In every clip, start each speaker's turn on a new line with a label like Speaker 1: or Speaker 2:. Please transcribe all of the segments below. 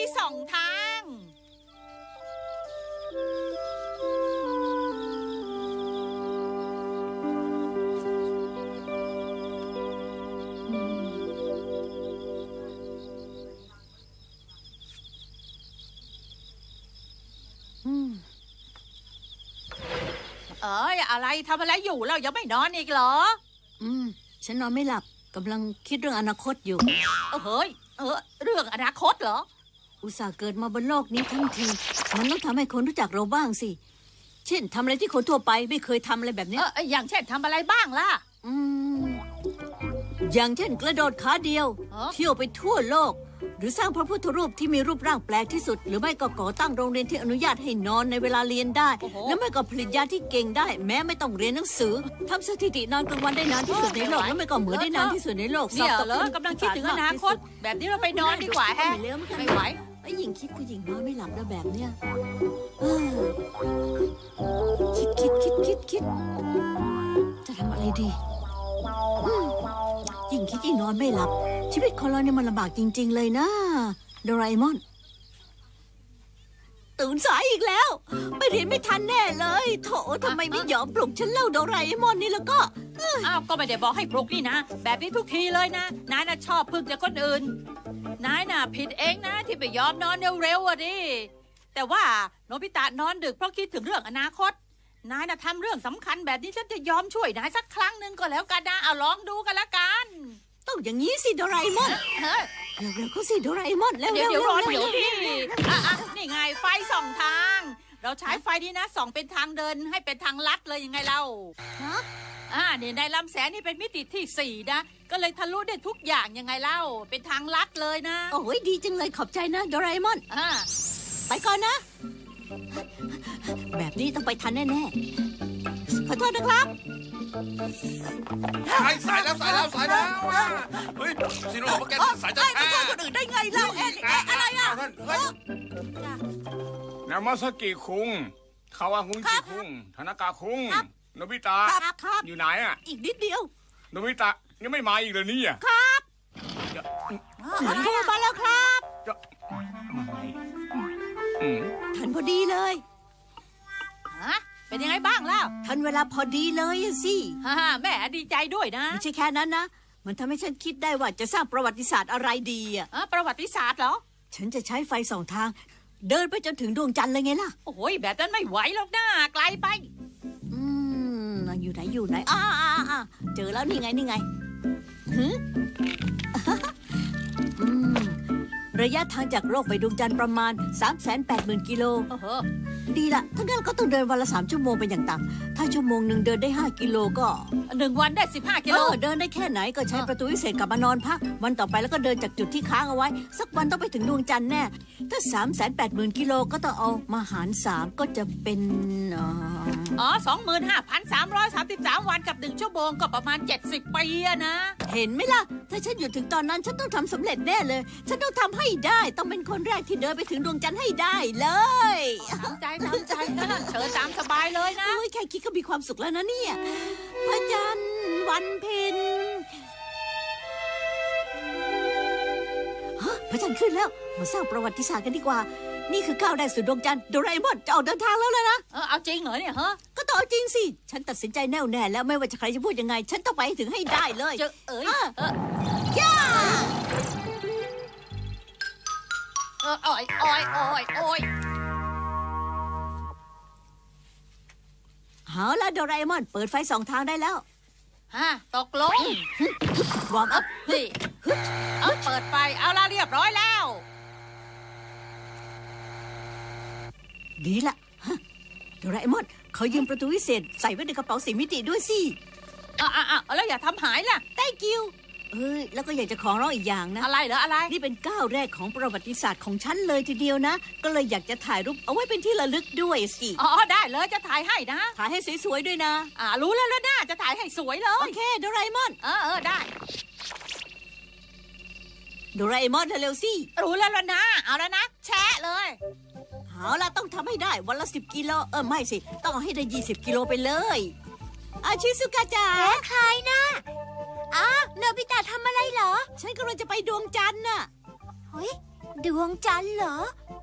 Speaker 1: ส่องทาง อะไรทำอะไรอยู่เรายังไม่นอนอีกเหรอ
Speaker 2: ฉันนอนไม่หลับกำลังคิดเรื่องอนาคตอยู่
Speaker 1: เฮ้ยเรื่องอนาคตเหรอ
Speaker 2: อุตส่าห์เกิดมาบนโลกนี้ทั้งทีมันต้องทำให้คนรู้จักเราบ้างสิ เช่นทำอะไรที่คนทั่วไปไม่เคยทำอะไรแบบเนี้ย
Speaker 1: อย่างเช่นทำอะไรบ้างล่ะ
Speaker 2: อืมอย่างเช่นกระโดดขาเดียว เที่ยวไปทั่วโลก หรือสร้างพระพุทธรูปที่มีรูปร่างแปลกที่สุด หรือไม่ก็ก่อตั้งโรงเรียนที่อนุญาตให้นอนในเวลาเรียนได้
Speaker 1: โอ้โห
Speaker 2: แล้วไม่ก็ผลิตยาที่เก่งได้ แม้ไม่ต้องเรียนหนังสือทำสถิตินอนกลางวันได้นานที่สุดในโลกแล้วไม่ก็เหมือนได้นานที่สุดในโลก
Speaker 1: เนี่ย
Speaker 2: สอบต
Speaker 1: เหรอกำลังคิดถึงอนาคต แบบนี้เราไปนอนดีกว่าแฮะ
Speaker 2: ไม่เร็วเหมือนกัน
Speaker 1: ไม่ไหว
Speaker 2: ไอ้หญิงคิดผู้หญิงนอนไม่หลับแล้วแบบเนี้ยเออคิดจะทำอะไรดียิ่งคิดยิ่งนอนไม่หลับ ชีวิตคนเราเนี่ยมันลำบากจริงๆเลยนะโดราเอมอนตื่นสายอีกแล้วไปเรียนไม่ทันแน่เลยโถทำไมไม่ยอมปลุกฉันเล่าโดราเอมอนนี่แล้วก็
Speaker 1: อ้าวก็ไม่ได้บอกให้ปลุกนี่นะ แบบนี้ทุกทีเลยนะนายน่ะชอบพึ่งจากคนอื่นนายน่ะผิดเองนะที่ไปยอมนอนเร็วๆอ่ะดิแต่ว่าโนบิตะนอนดึกเพราะคิดถึงเรื่องอนาคตนายน่ะทำเรื่องสำคัญแบบนี้ฉันจะยอมช่วยนายสักครั้งหนึ่งก็แล้วกันนะเอาลองดูกันละกัน
Speaker 2: ต้องอย่างนี้สิโดราเอมอน
Speaker 1: เฮ้ย
Speaker 2: เร็วๆก็สิโดราเอมอนเร็วๆ
Speaker 1: เดี๋ยวรอ
Speaker 2: เร็วๆ
Speaker 1: เดี๋ยวดินี่ไงไฟส่องทาง เราใช้ไฟนี้นะส่องเป็นทางเดินให้เป็นทางลัดเลยยังไงเรา
Speaker 2: ฮะ
Speaker 1: เนี่ยในลำแสงนี่เป็นมิติที่ 4นะก็เลยทะลุได้ทุกอย่างยังไงเล่าเป็นทางลัดเลยนะ
Speaker 2: โอ้ยดีจังเลยขอบใจนะโดราเอมอน
Speaker 1: อ่า
Speaker 2: ไปก่อนนะ แบบนี้ต้องไปทันแน่ๆขอโทษนะครับ
Speaker 3: สายแล้วอ่ะเฮ้ยสิโนบอกว่าแกสายจะแท้
Speaker 2: คนอื่นได้ไงเล่าอะไรอ่ะ
Speaker 3: ท่านเฮ้ย
Speaker 4: นามาสกิคุงคาวาฮุนจิคุงธนากาคุงโนบิตะ
Speaker 2: ครับ
Speaker 4: อยู่ไหนอ่ะ
Speaker 2: อีกนิดเดียว
Speaker 4: โนบิตะยังไม่มาอีกเลยเนี่ย
Speaker 2: โทรมาแล้วครับ
Speaker 4: จะอืม
Speaker 2: ทันพอดีเลย
Speaker 1: เป็นยังไงบ้างเล่า
Speaker 2: ทันเวลาพอดีเลยอะสิ
Speaker 1: แม่ดีใจด้วยนะ
Speaker 2: ไม่ใช่แค่นั้นนะ มันทำให้ฉันคิดได้ว่าจะสร้างประวัติศาสตร์อะไรดีอ่ะ
Speaker 1: ประวัติศาสตร์เหรอ
Speaker 2: ฉันจะใช้ไฟสองทาง เดินไปจนถึงดวงจันทร์เลยไงล่ะ
Speaker 1: โอ้ยแบบนั้นไม่ไหวหรอกนะไกลไป
Speaker 2: อยู่ไหนเจอแล้วนี่ไงฮึอืมระยะทางจากโลกไปดวงจันทร์ประมาณ 380,000 กิโล ดีละถ้างั้นก็ต้องเดินวันละ3 ชั่วโมงเป็นอย่างต่ำถ้าชั่วโมงหนึ่งเดินได้5 กิโลก็
Speaker 1: 1 วันได้15 กิโล
Speaker 2: เดินได้แค่ไหนก็ใช้ประตูวิเศษกลับมานอนพักวันต่อไปแล้วก็เดินจากจุดที่ค้างเอาไว้ สักวันต้องไปถึงดวงจันทร์แน่ถ้า 380,000 กิโลก็ต้องเอามาหาร3ก็จะเป็น
Speaker 1: 25,333 วันกับ1 ชั่วโมงก็ประมาณ70 ปีอะนะ
Speaker 2: เห็นไหมล่ะ ถ้าฉันอยู่ถึงตอนนั้นฉันต้องทำสำเร็จแน่เลย ฉันต้องทำให้ได้ต้องเป็นคนแรกที่เดินไปถึงดวงจันทร์ให้ได้เลย
Speaker 1: ตามใจนะเชิญตามสบายเลยนะ
Speaker 2: โอ้ยแค่คิดก็มีความสุขแล้วนะเนี่ยพระจันทร์วันเพ็ญพระจันทร์ขึ้นแล้วมาสร้างประวัติศาสตร์กันดีกว่า นี่คือก้าวแรกสู่ดวงจันทร์โดราเอมอนจะออกเดินทางแล้วนะ
Speaker 1: เอาจริงเหรอเนี่ยฮะ
Speaker 2: ก็ต้องเอาจริงสิ ฉันตัดสินใจแน่วแน่แล้วไม่ว่าจะใครจะพูดยังไง ฉันต้องไปให้ถึงให้ได้เลย
Speaker 1: เจอโอ้ย
Speaker 2: เอาละโดราเอมอนเปิดไฟสองทางได้แล้ว
Speaker 1: ตกลง
Speaker 2: วอร์มอัพ
Speaker 1: นี่เปิดไฟเอาละเรียบร้อยแล้ว
Speaker 2: ดีละโดราเอมอนเขายืมประตูวิเศษใส่ไว้ในกระเป๋า4 มิติด้วยสิ
Speaker 1: แล้วอย่าทำหายล่ะ
Speaker 2: Thank you แล้วก็อยากจะขอร้องอีกอย่างนะ
Speaker 1: อะไรเหรออะไร
Speaker 2: นี่เป็นก้าวแรกของประวัติศาสตร์ของฉันเลยทีเดียวนะ ก็เลยอยากจะถ่ายรูปเอาไว้เป็นที่ระลึกด้วยสิ
Speaker 1: ได้เลยจะถ่ายให้นะ
Speaker 2: ถ่ายให้สวยๆด้วยนะ
Speaker 1: รู้แล้วนะจะถ่ายให้สวยเล
Speaker 2: โอย เคโดราเอมอน
Speaker 1: ได้
Speaker 2: โดราเอมอนเร็วๆสิ
Speaker 1: รู้แล้วนะ เอาแล้วนะ แชะเลย
Speaker 2: เอาล่ะต้องทำให้ได้วันละ10 กิโลไม่สิต้องเอาให้ได้20 กิโลไปเลยอาชิซุกะจ๋าใครนะโนบิตะทำอะไรเหรอฉันกำลังจะไปดวงจันทร์น่ะ
Speaker 5: เฮ้ยดวงจันทร์เหรอ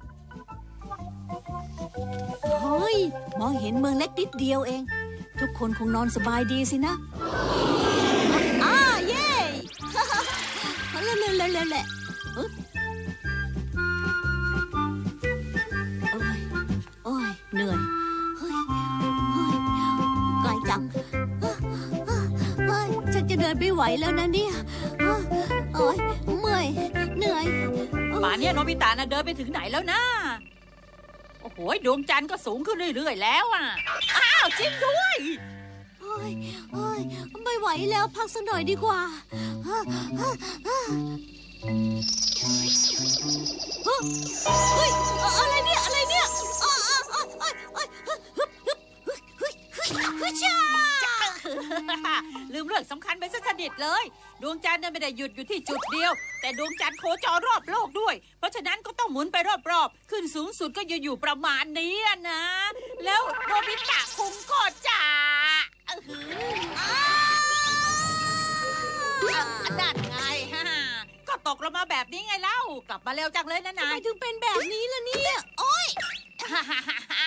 Speaker 2: เฮ้ย มองเห็นเมืองเล็กนิดเดียวเอง ทุกคนคงนอนสบายดีสินะเย้เละโอ้ยเหนื่อยเฮ้ยไกลจังฉันจะเดินไม่ไหวแล้วนะเนี่ยโอ้ยเมื่อยเหนื่อย
Speaker 1: ป่านเนี้ยโนบิตะน่ะเดินไปถึงไหนแล้วนะโอ้โหดวงจันทร์ก็สูงขึ้นเรื่อยๆแล้วอ่ะอ้าวจริงด้วย
Speaker 2: โอ้ยไม่ไหวแล้วพักสักหน่อยดีกว่าเฮ้ยอะไรเนี่ย
Speaker 1: ลืมเรื่องสำคัญไปซะสนิทเลย ดวงจันทร์เนี่ยไม่ได้หยุดอยู่ที่จุดเดียว แต่ดวงจันทร์โคจรรอบโลกด้วย เพราะฉะนั้นก็ต้องหมุนไปรอบๆขึ้นสูงสุดก็อยู่ประมาณนี้นะ แล้วโนบิตะคุงก็จะนั่นไงก็ตกลงมาแบบนี้ไงเล่ากลับมาเร็วจังเลยนะ
Speaker 2: ทำ
Speaker 1: นา
Speaker 2: ไม
Speaker 1: ย
Speaker 2: ถึงเป็นแบบนี้ล่ะเนี่ยโอ้ย